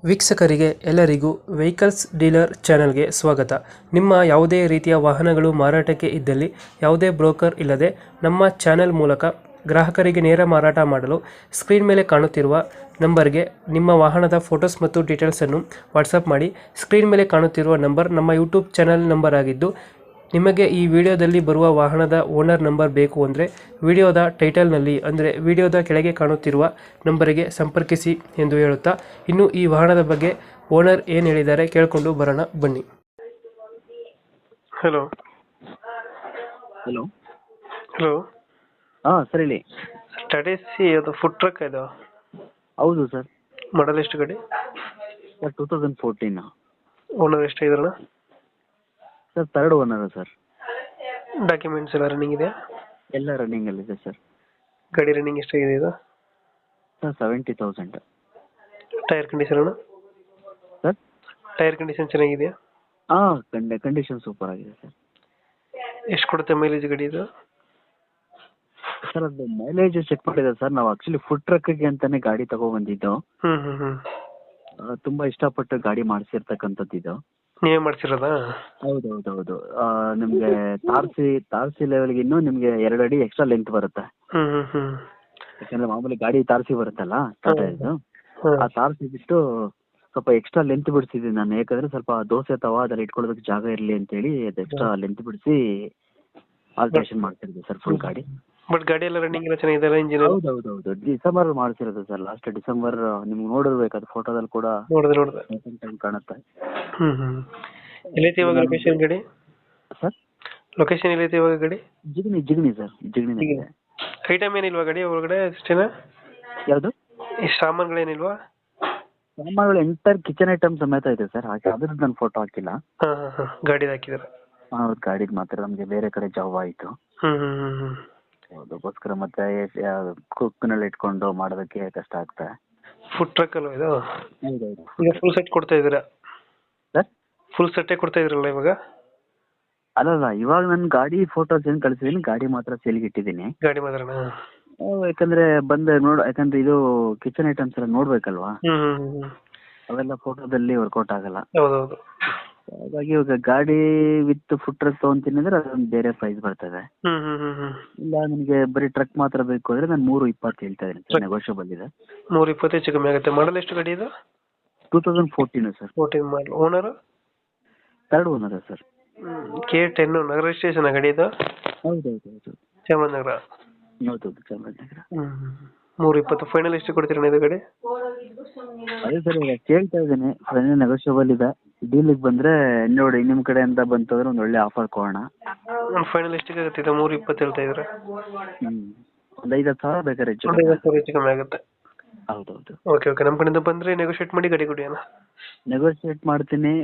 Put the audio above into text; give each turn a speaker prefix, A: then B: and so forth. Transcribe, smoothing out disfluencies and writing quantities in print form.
A: ವೀಕ್ಷಕರಿಗೆ ಎಲ್ಲರಿಗೂ vehicles dealer ಚಾನೆಲ್ಗೆ ಸ್ವಾಗತ. ನಿಮ್ಮ ಯಾವುದೇ ರೀತಿಯ ವಾಹನಗಳು ಮಾರಾಟಕ್ಕೆ ಇದ್ದಲ್ಲಿ ಯಾವುದೇ ಬ್ರೋಕರ್ ಇಲ್ಲದೆ ನಮ್ಮ ಚಾನೆಲ್ ಮೂಲಕ ಗ್ರಾಹಕರಿಗೆ ನೇರ ಮಾರಾಟ ಮಾಡಲು ಸ್ಕ್ರೀನ್ ಮೇಲೆ ಕಾಣುತ್ತಿರುವ ನಂಬರ್ಗೆ ನಿಮ್ಮ ವಾಹನದ ಫೋಟೋಸ್ ಮತ್ತು ಡೀಟೇಲ್ಸನ್ನು ವಾಟ್ಸಪ್ ಮಾಡಿ. ಸ್ಕ್ರೀನ್ ಮೇಲೆ ಕಾಣುತ್ತಿರುವ ನಂಬರ್ ನಮ್ಮ ಯೂಟ್ಯೂಬ್ ಚಾನೆಲ್ ನಂಬರ್ ಆಗಿದ್ದು, ನಿಮಗೆ ಈ ವಿಡಿಯೋದಲ್ಲಿ ಬರುವ ವಾಹನದ ಓನರ್ ನಂಬರ್ ಬೇಕು ಅಂದರೆ ವಿಡಿಯೋದ ಟೈಟಲ್ನಲ್ಲಿ ಅಂದರೆ ವಿಡಿಯೋದ ಕೆಳಗೆ ಕಾಣುತ್ತಿರುವ ನಂಬರಿಗೆ ಸಂಪರ್ಕಿಸಿ ಎಂದು ಹೇಳುತ್ತಾ, ಇನ್ನು ಈ ವಾಹನದ ಬಗ್ಗೆ ಓನರ್ ಏನು ಹೇಳಿದ್ದಾರೆ ಕೇಳಿಕೊಂಡು ಬರೋಣ ಬನ್ನಿ. ಹಲೋ
B: ಹಲೋ
A: ಹಲೋ
B: ಹಾಂ ಸರ್ ಹೇಳಿ.
A: ಟಾಟಾ ಅದು ಫುಡ್ ಟ್ರಕ್ ಇದು
B: ಹೌದು ಸರ್.
A: ಮಾಡಲ್ ಎಷ್ಟು ಗಾಡಿ?
B: ಸರ್ 2014
A: ಓನರ್ ಎಷ್ಟಾಗಿದ್ರಣ?
B: Sir third owner sir.
A: Documents ಎಲ್ಲ ರನ್ನಿಂಗ್ ಇದೆ?
B: ಎಲ್ಲ ರನ್ನಿಂಗಲ್ಲಿದೆ ಸರ್.
A: ಗಾಡಿ ರನ್ನಿಂಗ್ ಎಷ್ಟಾಗಿದೆ ಇದು?
B: ಸರ್ 70,000.
A: ಟೈರ್ ಕಂಡೀಷನ್ ಅಣ್ಣ?
B: ಸರ್
A: ಟೈರ್ ಕಂಡೀಷನ್ ಚೆನ್ನಾಗಿದೆಯಾ?
B: ಹಾಂ ಕಂಡೀಷನ್ ಸೂಪರ್ ಆಗಿದೆ ಸರ್.
A: ಎಷ್ಟು ಕೊಡುತ್ತೆ ಮೈಲೇಜ್ ಗಾಡಿ ಇದು?
B: ಸರ್ ಅದು ಮೈಲೇಜ್ ಚೆಕ್ ಮಾಡಿದೆ ಸರ್. ನಾವು ಆ್ಯಕ್ಚುಲಿ ಫುಡ್ ಟ್ರಕ್ಕಿಗೆ ಅಂತಲೇ ಗಾಡಿ ತಗೊಬಂದಿದ್ದು. ತುಂಬ ಇಷ್ಟಪಟ್ಟು ಗಾಡಿ ಮಾಡಿಸಿರ್ತಕ್ಕಂಥದ್ದು ಇದು.
A: ನೀವೇ ಮಾಡ್ಸಿರೋದಾ?
B: ಹೌದು ಹೌದು ಹೌದು. ನಿಮಗೆ ತಾರಸಿ ಲೆವೆಲ್ಗೆ ಇನ್ನೂ ನಿಮಗೆ 2 ಅಡಿ ಎಕ್ಸ್ಟ್ರಾ ಲೆಂತ್ ಬರುತ್ತೆ. ಯಾಕಂದರೆ ಮಾಮೂಲಿ ಗಾಡಿ ತಾರಸಿ ಬರುತ್ತಲ್ಲ ಟಾಟಾ ಇದು, ಆ ತಾರಸಿ ಬಿಟ್ಟು ಸ್ವಲ್ಪ ಎಕ್ಸ್ಟ್ರಾ ಲೆಂತ್ ಬಿಡಿಸಿದ್ದೀನಿ ನಾನು. ಯಾಕಂದರೆ ಸ್ವಲ್ಪ ದೋಸೆ ತವ ಅದರಲ್ಲಿ ಇಟ್ಕೊಳ್ಳೋದಕ್ಕೆ ಜಾಗ ಇರಲಿ ಅಂತೇಳಿ ಅದು ಎಕ್ಸ್ಟ್ರಾ ಲೆಂತ್ ಬಿಡಿಸಿ ಆಲ್ಟ್ರೇಷನ್ ಮಾಡ್ತಿದ್ದೆ ಸರ್ ಫುಲ್ ಗಾಡಿ.
A: ಬಟ್ ಗಾಡಿ ಎಲ್ಲ ರನ್ನಿಂಗ್ ಎಲ್ಲ ಚೆನ್ನಾಗಿದೆ, ಇಂಜಿನ್?
B: ಹೌದು ಹೌದು ಹೌದು. ಡಿಸೆಂಬರ್ ಮಾಡಿಸಿರೋದು ಸರ್, ಲಾಸ್ಟ್ ಡಿಸೆಂಬರ್. ನಿಮ್ಗೆ ನೋಡಿರ್ಬೇಕು ಅದು ಫೋಟೋದಲ್ಲಿ ಕೂಡ
A: ನೋಡಿದೆ
B: ಟೈಮ್ ಕಾಣುತ್ತೆ.
A: ಎಲ್ಲೈತಿ ಇವಾಗ ಲೊಕೇಶನ್ ಗಾಡಿ?
B: ಸರ್
A: ಲೊಕೇಶನ್ ಎಲ್ಲೈತಿ ಇವಾಗ ಗಾಡಿ?
B: ಜಿಗಣಿ ಸರ್, ಜಿಗಣಿ.
A: ಐಟಮ್ ಏನಿಲ್ವಾ ಗಾಡಿ ಒಳಗಡೆ ಅಷ್ಟೇನಾ?
B: ಯಾವುದು?
A: ಈ ಸಾಮಾನುಗಳೇನಿಲ್ವಾ?
B: ಸಾಮಾನುಗಳು ಎಂಟರ್ ಕಿಚನ್ ಐಟಮ್ ಸಮೇತ ಇದೆ ಸರ್. ಹಾಗೆ ಅದ್ರದ್ದು ನಾನು ಫೋಟೋ ಹಾಕಿಲ್ಲ.
A: ಗಾಡಿದು ಹಾಕಿದ್ದಾರೆ?
B: ಹೌದು, ಗಾಡಿದು ಮಾತ್ರ. ನಮಗೆ ಬೇರೆ ಕಡೆ ಜಾಬ್ ಆಯಿತು, ಅದಕ್ಕೋಸ್ಕರ ಮತ್ತೆ ಕುಕ್ನಲ್ಲಿ ಇಟ್ಕೊಂಡು ಮಾಡೋದಕ್ಕೆ ಕಷ್ಟ ಆಗ್ತದೆ.
A: ಫುಡ್ ಟ್ರಕ್ ಅಲ್ವಾ ಇದು?
B: ಹೌದೌದು.
A: ಈಗ ಫುಲ್ ಸೆಟ್ ಕೊಡ್ತಾ ಇದ್ದೀರಾ?
B: ಸರ್
A: ಫುಲ್ ಸೆಟ್ಟೇ ಕೊಡ್ತಾ ಇದ್ರಲ್ಲ ಇವಾಗ?
B: ಅಲ್ಲಲ್ಲ, ಇವಾಗ ನನ್ನ ಗಾಡಿ ಫೋಟೋಸ್ ಏನು ಕಳಿಸಿದ್ದೀನಿ, ಗಾಡಿ ಮಾತ್ರ ಸೇಲ್ಗೆ ಇಟ್ಟಿದ್ದೀನಿ.
A: ಗಾಡಿ ಮಾತ್ರನಾ?
B: ಯಾಕಂದ್ರೆ ಯಾಕಂದ್ರೆ ಇದು ಕಿಚನ್ ಐಟಮ್ಸ್ ಎಲ್ಲ ನೋಡ್ಬೇಕಲ್ವಾ, ಅವೆಲ್ಲ ಫೋಟೋದಲ್ಲಿ ವರ್ಕೌಟ್ ಆಗಲ್ಲ.
A: ಹೌದೌದು.
B: ಹಾಗಾಗಿ ಇವಾಗ ಗಾಡಿ ವಿತ್ ಫುಡ್ ಟ್ರಕ್ ತಗೊಂತೀನಿ ಅಂದ್ರೆ ಅದೊಂದು ಬೇರೆ ಪ್ರೈಸ್ ಬರ್ತದೆ. ಇಲ್ಲ ನನಗೆ ಬರೀ ಟ್ರಕ್ ಮಾತ್ರ ಬೇಕು ಅಂದ್ರೆ ನಾನು 320 ಹೇಳ್ತಾ ಇದ್ದೀನಿ. ನೆಗೋಷಿಯಬಲ್ ಇದೆ.
A: 320 ಹೆಚ್ಚು ಕಮ್ಮಿ ಆಗುತ್ತೆ. ಮಾಡಲ್ ಎಷ್ಟು ಗಾಡಿ ಇದು?
B: 2014 sir.
A: 14 model. Owner?
B: Third owner sir.
A: K10 ನಗರ ಸ್ಟೇಷನ್ ಗಾಡಿ ಇದು?
B: ಹೌದೌದು ಹೌದು.
A: ಚಾಮರಾಜನಗರ?
B: ಹೌದೌದು, ಚಾಮರಾಜನಗರ.
A: 320 ಫೈನಲ್ ಎಷ್ಟು ಕೊಡ್ತೀರಣ್ಣ ಇದು ಗಾಡಿ?
B: ಅದೇ ಸರ್, ಈಗ ಕೇಳ್ತಾ ಇದ್ದೀನಿ. ಫೈನಲ್ ನೆಗೋಷಿಯಬಲ್ ಇದೆ. ಡೀಲಿಗೆ ಬಂದರೆ ನೋಡಿ, ನಿಮ್ಮ ಕಡೆಯಿಂದ ಬಂತಂದ್ರೆ ಒಂದು ಒಳ್ಳೆ ಆಫರ್ ಕೊಡೋಣ.
A: ಫೈನಲ್ ಎಷ್ಟಿಗೆ ಆಗುತ್ತೆ ಇದು? 320 ಹೇಳ್ತಾ ಇದ್ದಾರೆ.
B: ಒಂದು 5,000 ಬೇಕಾದ್ರೆ ಹೆಚ್ಚು
A: ಕಮ್ಮಿ ಆಗುತ್ತೆ.
B: ಹೌದೌದು.
A: ಓಕೆ ನಮ್ಮ ಕಡೆಯಿಂದ ಬಂದರೆ ನೆಗೋಷಿಯೇಟ್ ಮಾಡಿ ಗಾಡಿ ಕೊಡಿ ಅಣ್ಣ.
B: ನೆಗೋಷಿಯೇಟ್ ಮಾಡ್ತೀನಿ.